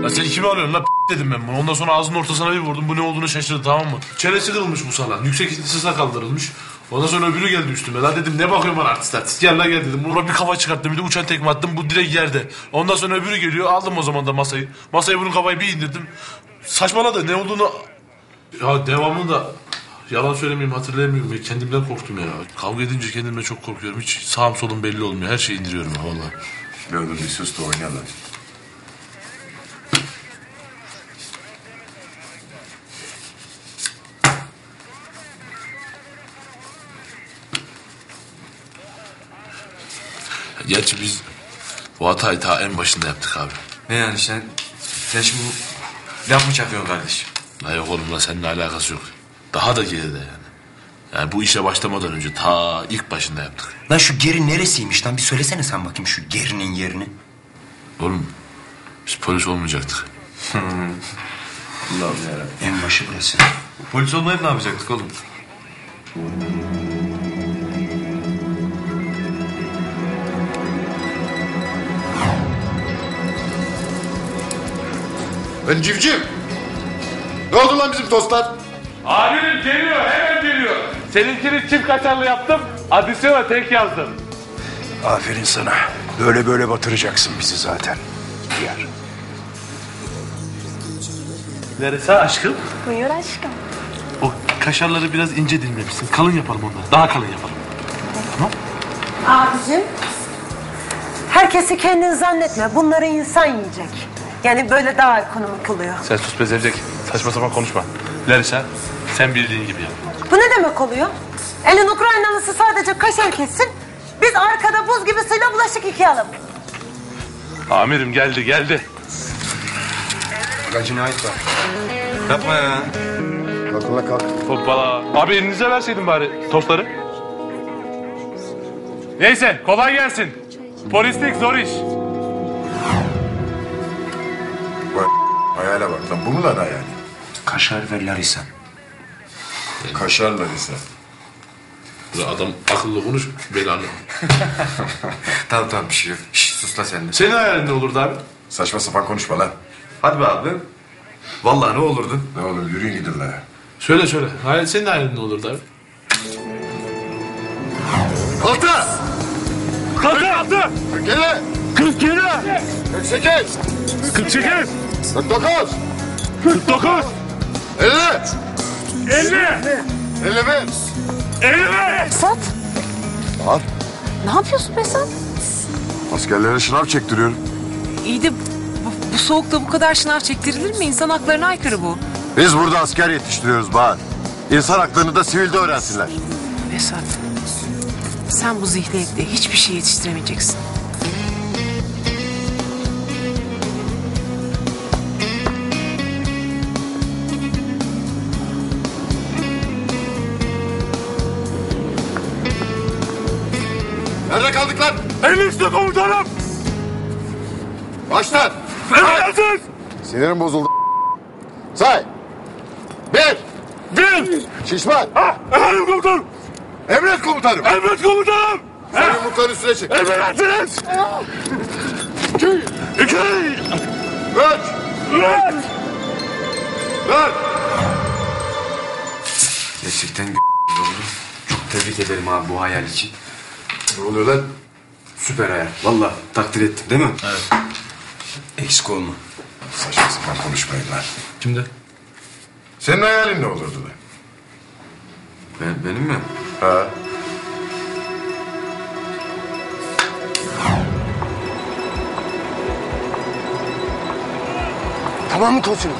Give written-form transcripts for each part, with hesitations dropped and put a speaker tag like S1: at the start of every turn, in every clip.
S1: Ya sen kimi alıyorsun la dedim ben bunu. Ondan sonra ağzının ortasına bir vurdum. Bu ne olduğunu şaşırdı, tamam mı? Çenesi kırılmış bu salak. Yüksek ihtisasa kaldırılmış. Ondan sonra öbürü geldi üstüme. La dedim ne bakıyorsun bana artist. Gel la gel dedim. Buna bir kafa çıkarttım, bir de uçan tekme attım. Bu direkt yerde. Ondan sonra öbürü geliyor. Aldım o zaman da masayı. Masaya bunun kafayı bir indirdim. Saçmaladı, ne olduğunu... Ya devamını da... Yalan söylemeyeyim, hatırlayamıyorum. Ya. Kendimden korktum ya. Kavga edince kendimden çok korkuyorum. Hiç sağım solum belli olmuyor. Her şeyi indiriyorum ya vallahi.
S2: Ne olur bir sus da oynayalım.
S1: Gerçi biz bu hatayı ta en başında yaptık abi.
S3: Ne yani sen şimdi laf mı çakıyorsun kardeşim?
S1: La yok oğlum, la seninle alakası yok. Daha da geride yani. Yani bu işe başlamadan önce ta ilk başında yaptık.
S4: Lan şu geri neresiymiş lan? Bir söylesene sen bakayım şu gerinin yerini.
S1: Oğlum biz polis olmayacaktık.
S3: Allah'ım yarabbim.
S4: En başı burası.
S3: Polis olmayıp ne yapacaktık oğlum?
S2: Ben civciv. Ne oldu lan bizim tostlar?
S5: Amirim geliyor, hemen geliyor. Seninkini çift kaşarlı yaptım, adisyona tek yazdım.
S6: Aferin sana. Böyle böyle batıracaksın bizi zaten. Yer.
S1: Neresi aşkım?
S7: Buyur aşkım.
S1: O kaşarları biraz ince dilimlemişsin. Kalın yapalım onları. Daha kalın yapalım.
S8: Abicim, herkesi kendin zannetme. Bunları insan yiyecek. Yani böyle daha ekonomik oluyor.
S1: Sen sus be Zevzek. Saçma sapan konuşma. Larisa sen bildiğin gibi yap.
S8: Bu ne demek oluyor? Elin Ukraynalısı sadece kaşar kessin. Biz arkada buz gibi suyla bulaşık yıkayalım.
S5: Amirim geldi.
S3: Bak cinayet var. Yapma ya.
S2: Kalk ulan kalk.
S5: Hoppala. Abi elinize verseydin bari tostları. Neyse kolay gelsin. Polislik zor iş.
S2: Bak hayale bak lan. Bu mu lan hayali?
S4: Kaşar ve Larisa.
S2: Kaşarla ise.
S1: Adam akıllı konuş, belanı.
S3: Tamam bir şey yok. Şişt, sus la sen de.
S1: Senin hayalin ne olurdu abi?
S2: Saçma sapan konuşma lan.
S3: Hadi be abi. Vallahi ne olurdu?
S2: Ne olur yürüyün gidin lan.
S1: Söyle. Senin hayalin ne olurdu abi?
S2: Altı!
S5: Kalktı.
S2: Gele!
S5: 47.
S2: 48!
S5: 48.
S2: 49!
S5: 49.
S2: 50!
S5: 50.
S2: 51!
S5: 50.
S7: Esat.
S2: Al.
S7: Ne yapıyorsun Esat?
S2: Askerlere şınav çektiriyorum.
S9: İyi de bu soğukta bu kadar şınav çektirilir mi? İnsan haklarına aykırı bu.
S2: Biz burada asker yetiştiriyoruz Bahar. İnsan haklarını da sivilde öğrensinler.
S9: Esat, sen bu zihniyetle hiçbir şey yetiştiremeyeceksin.
S2: Nerede kaldık lan?
S5: Elinizde komutanım.
S2: Baştan!
S5: Emredersiniz.
S2: Sinirim bozuldu. Say! Bir!
S5: Bir.
S2: Şişman!
S5: Efendim komutanım.
S2: Emret komutanım!
S5: Emret komutanım.
S2: Sen yumrukların üstüne çık.
S5: Emredersiniz.
S2: İki!
S5: 2.
S2: Üç!
S5: 3.
S2: Dört!
S3: Gerçekten oldu. Çok tebrik ederim abi bu hayal için.
S2: Ne oluyor lan?
S3: Süper hayal. Vallahi takdir ettim değil mi?
S1: Evet.
S4: Eksik olma.
S2: Saçma sapan konuşmayın lan.
S1: Kimde?
S2: Senin hayalin ne olurdu lan?
S3: Benim mi?
S2: Ha?
S6: Tamam mı Tosun?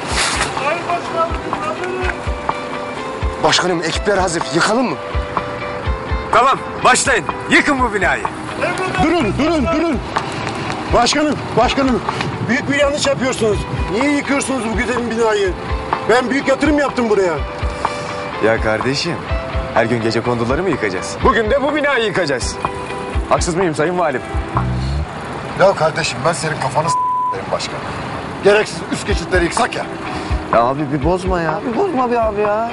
S6: Başkanım ekipler hazır. Yıkalım mı?
S3: Tamam başlayın. Yıkın bu binayı.
S6: Durun. Başkanım. Büyük bir yanlış yapıyorsunuz. Niye yıkıyorsunuz bu güzel binayı? Ben büyük yatırım yaptım buraya.
S10: Ya kardeşim, her gün gecekonduları mı yıkacağız? Bugün de bu binayı yıkacağız. Haksız mıyım sayın valim?
S2: Ya kardeşim ben senin kafanı s**eyim başkan. Gereksiz üst geçitleri yıksak ya.
S10: Ya abi bir bozma ya. Bir bozma bir abi ya.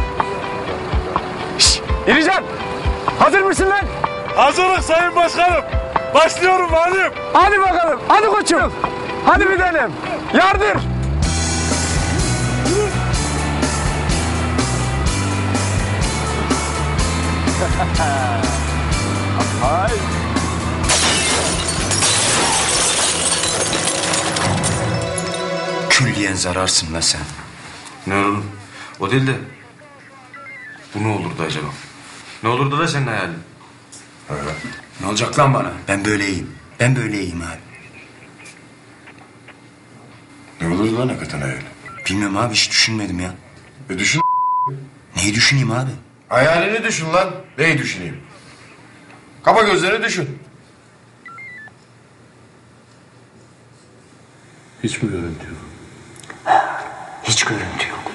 S10: Şşş, İrican! Hazır mısın lan?
S5: Hazırız sayın başkanım. Başlıyorum valim.
S10: Hadi bakalım. Hadi koçum. Hadi bir denem. Yardır! Hay!
S4: Külliyen zararsın lan sen.
S3: Ne oğlum? O değil de bu ne olurdu acaba? Ne olurdu da senin hayalin?
S4: Ne olacak lan bana? Ben böyleyim. Ben böyleyim abi.
S2: Ne olur lan hakikaten hayal?
S4: Bilmiyorum abi, hiç düşünmedim ya.
S2: Düşün.
S4: Neyi düşüneyim abi?
S2: Hayalini düşün lan. Neyi düşüneyim? Kapa gözlerini düşün.
S1: Hiç mi görüntü yok?
S4: Hiç görüntü yok.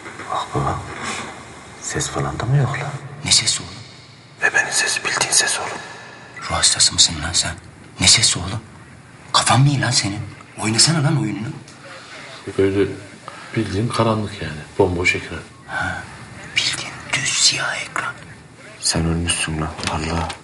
S1: Ses falan da mı yok lan?
S4: Ne sesi oğlum?
S1: Bebenin sesi, bildiğin ses oğlum.
S4: Ruh hastası mısın lan sen? Ne sesi oğlum? Kafan mı iyi lan senin? Oynasana lan oyununu.
S1: Böyle bildiğin karanlık yani. Bomboş ekran.
S4: Bildiğin düz siyah ekran.
S3: Sen ölmüşsün lan. Allah.